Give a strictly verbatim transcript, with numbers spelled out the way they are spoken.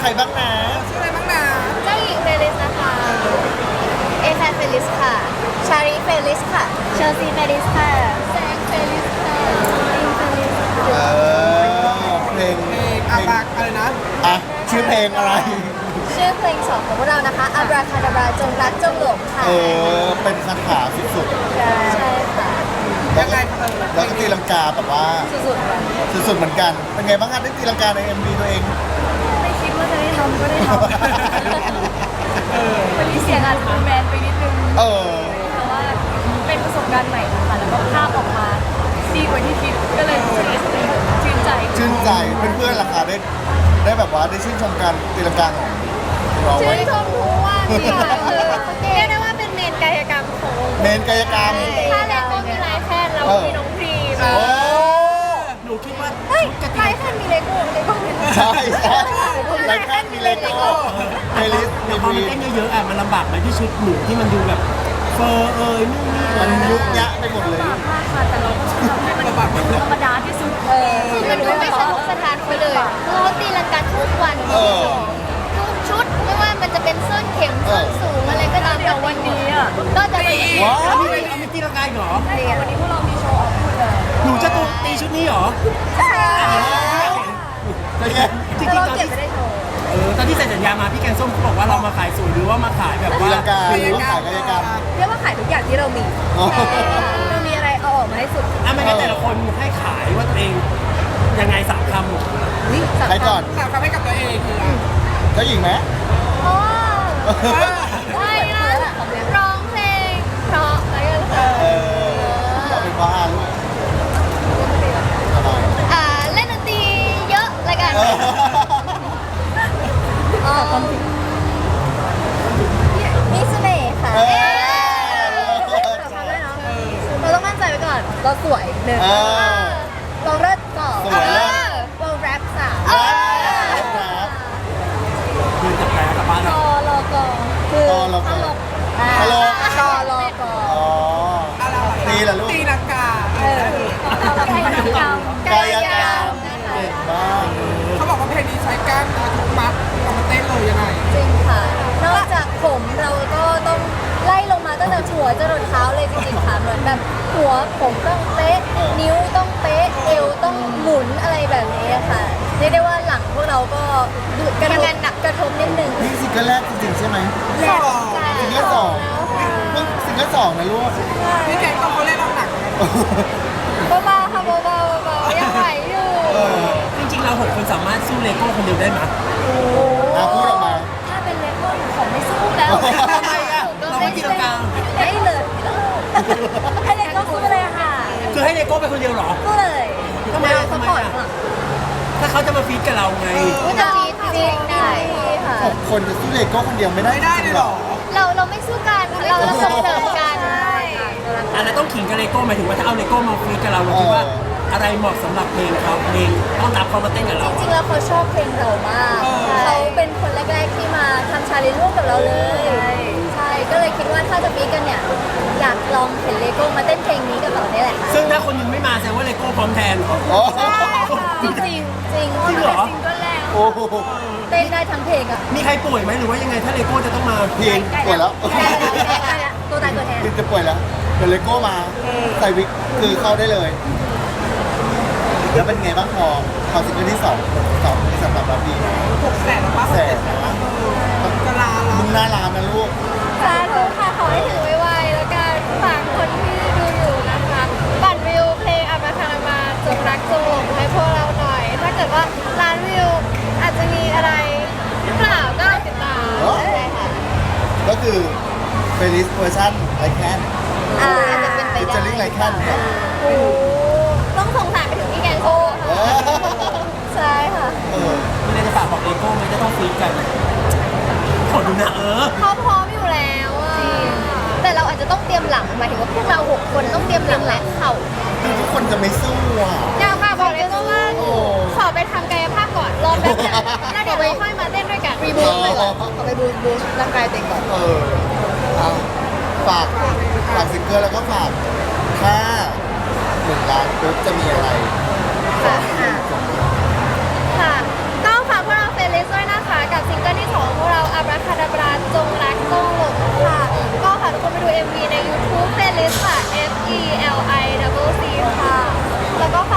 ใครบ้างนะชื่ออะไรบ้างนะเจ้าหญิงเฟลิสนะคะเอแคร์เฟลิสค่ะชารีเฟลิสค่ะเชลซีเฟลิสค่ะแซงเฟลิสค่ะอินเฟลิสเอค่ะอเพลงเพเพลลงงอาบากอะไรนะอ่ะชื่อเพลงอะไรชื่อเพลงสองของพวกเรานะคะอับราคาดาบราจงรักจงหลงค่ะเออเป็นคาถาสุดใช่ค่ะๆแล้วก็แล้วก็ตีลังกาแบบว่าสุดๆค่ะสุดๆเหมือนกันเป็นไงบ้างคะได้ตีลังกาใน เอ็ม วี ตัวเองไม่คิดว่าจะได้ทำก็ได้ทำวันนี้เสียงอาจจะแมนไปนิดนึงเออแต่ว่าเป็นประสบการณ์ใหม่ค่ะแล้วก็ภาพออกมาดีกว่าที่คิดก็เลยรู้สึกชื่นใจชื่นใจเพื่อนๆราคาได้ได้แบบว่าได้ชื่นชมการตีลังกาของเราไหมชื่นชมทุกวันค่ะคือเรียกได้ว่าเป็นเมนกายกรรมของวงเมนกายกรรมถ้าแรกก็มีลายแพทย์แล้วมีน้องพรีมโอ้หนูคิดว่าเฮ้ยลายแพทย์มีเลโก้เลโก้ใช่ใช่ไลแคนมีเลโก้เมลิสแต่มีพอวีมันเต้นเยอะๆอ่ะมันลำบากไหมที่ชุดหนูที่มันดูแบบเฟอร์เอ่ยนู่นนี่มันยุบยะไปหมดเลยมากค่ะแต่เราก็ทำให้มันธรรมดาที่สุดเออมันดูไม่สนุกสนานไปเลยคือเขาตีลังกาทุกวันเออทุกชุดไม่ว่ามันจะเป็นส้นเข็มส้นสูงอะไรก็ตามเดี๋ยววันนี้อ่ะก็จะเป็นว้าเอาวมีเอามีตีลังกาอีกเหรอวันนี้พวกเรามีโชว์ออกพูดเลยหนูจะตูตีชุดนี้เหรอเป็นไงจริงเราๆตอนเก็บที่ไม่ได้โชว์เออตอนที่เซ็นสัญญามาพี่แกงส้มเขาบอกว่าเรามาขายสวยหรือว่ามาขายแบบตีว่าลังกาหรือว่าขายกายกรรมเรียกว่าขายทุกอย่างที่เรามีอ๋อเรามีอะไรเอาออกมาให้สุดอ่ะไม่งั้นแต่ละคนให้ขายว่าตัวเองยังไงสามคำนี่ใครก่อนสามคำให้กับตัวเองคือเจ้าหญิงไหมโอ้ไม่นะร้องเพลงเพราะอะไรกันค่ะเออเราเป็นบ้าลูกอะไรอ่าเล่นดนตรีเยอะอะไรกันเอออ๋อมีเสน่ห์ค่ะเออเราต้องมั่นใจไว้ก่อน เราสวยหนึ่งเออเราเลิศสองสวยเลิศเราแรปสามครับคือจะแปลกลับบ้านรเราอรอก่อนคือรอรอก่อนตลกตลกรอรอก่อนอ๋อตีแหละลูกตีลังกาเออเรากายกรรมกายกรรมเก่งมากเขาบอกว่าเพลงนี้ใช้กล้ามเนื้อทุกมัดเอามาเต้นเลยยังไงจริงค่ะ นอกจากผมเราก็ต้องไล่ลงมาตั้งแต่หัวจรดเท้าเลยจริงๆค่ะเหมือนแบบหัวผมต้องเป๊ะ นิ้วต้องเป๊ะ เอวต้องหมุนอะไรแบบนี้ค่ะเรียกได้ว่าหลังพวกเราก็กระทบหนักกระทบนิดนึงนี่ซิงเกิลแรกจริงๆใช่ไหมแรกซิงเกิลสองเพิ่งซิงเกิลสองนะลูกพี่แกงต้องเขาเล่นน้ำหนักเบาๆค่ะเบาๆเบาๆยังไหวอยู่เออจริงๆเราหกคนสามารถสู้เลโก้คนเดียวได้ไหมอ่ะพูดออกมาถ้าเป็นเลโก้หนูขอไม่สู้แล้วทำไมอ่ะเราไม่ตีลังกาได้เลยให้เลโก้สู้เลยค่ะคือให้เลโก้ไปคนเดียวเหรอสู้เลยทำไมอ่ะทำไมอ่ะ ถ้าเขาจะมาฟีดกับเราไงก็จะฟีดฟีดได้ค่ะหกคนจะสู้เลโก้คนเดียวไม่ได้ไม่ได้เลยเหรอเราเราไม่สู้กัน เราเราส่งเสริมกันอันนั้นต้องขิงกับเลโก้หมายถึงว่าถ้าเอาเลโก้มาฟีดกับเราเราคิดว่าอะไรเหมาะสำหรับเพลงเขาเพลงต้องรับเขามาเต้นกับเราจริงๆแล้วเขาชอบเพลงเรามาก เขาเป็นคนแรกๆที่มาทำชาเลนจ์ร่วมกับเราเลย ใช่ ก็เลยคิดว่าถ้าจะฟีดกันเนี่ย อยากลองเห็นเลโก้มาเต้นเพลงนี้กับเราเนี่ยแหละค่ะซึ่งถ้าคนหนึงไม่มาแสดงว่าเลโก้พร้อมแทนโอ้จริงจริงจริงจริงเหรอซิงเกิลแรกโอ้โหเต้นได้ทั้งเพลงอ่ะมีใครป่วยไหมหรือว่ายังไงถ้าเลโก้จะต้องมาพีนป่วยแล้วตัวตายตัวแทนพีนจะป่วยแล้วเดี๋ยวเลโก้มาใส่วิกคือเข้าได้เลย แล้วเป็นไงบ้างพอพอซิงเกิลที่สองสองสำหรับเราดีหกแสนหรือว่าแสนกะลามึงหน้าร้านนะลูกสาธุค่ะขอให้ถึงไวๆแล้วกันฝากคนที่ดูอยู่นะคะปั่นวิวเพลงอัปคารามาจงรักจงหลงให้พวกเราหน่อย ถ้าเกิดว่าร้านวิวอาจจะมีอะไรหรือเปล่าก็ติดตามเออได้ค่ะก็คือเฟลิสเวอร์ชันไลแคนอ่าอาจจะเป็นไปฟิชเจอได้ริ่งไลแคนเนี่ยโอ้ต้องส่งสารไปถึงพี่แกงโก้เออใช่ค่ะเออมีอะไรจะฝากบอกเลโก้ไหมจะต้องฟีดกันขอดูนะเออเขาพร้อมอยู่แล้วอะแต่เราอาจจะต้องเตรียมหลังหมายถึงว่าพวกเราหกคนต้องเตรียมหลังและเข่าคือทุกคนจะไม่สู้อ่ะอยากค่ะบอกเลยก็ว่าโอ้ขอไปทำกายภาพก่อนรอแป๊บนึงแล้วเดี๋ยวเราค่อยมาเต้นด้วยกันรีบูทเลยเหรอขอไปบูทบูทร่างกายเต็มก่อนเออเอาฝากฝากซิงเกิลแล้วก็ฝากถ้าหนึ่งล้านปุ๊บจะมีอะไรค่ะค่ะก็ฝากพวกเราเฟรนลิสด้วยนะคะกับเอ็ม วี ใน YouTube playlist ค่ะ F E L I double C ค่ะ แล้วก็ฝ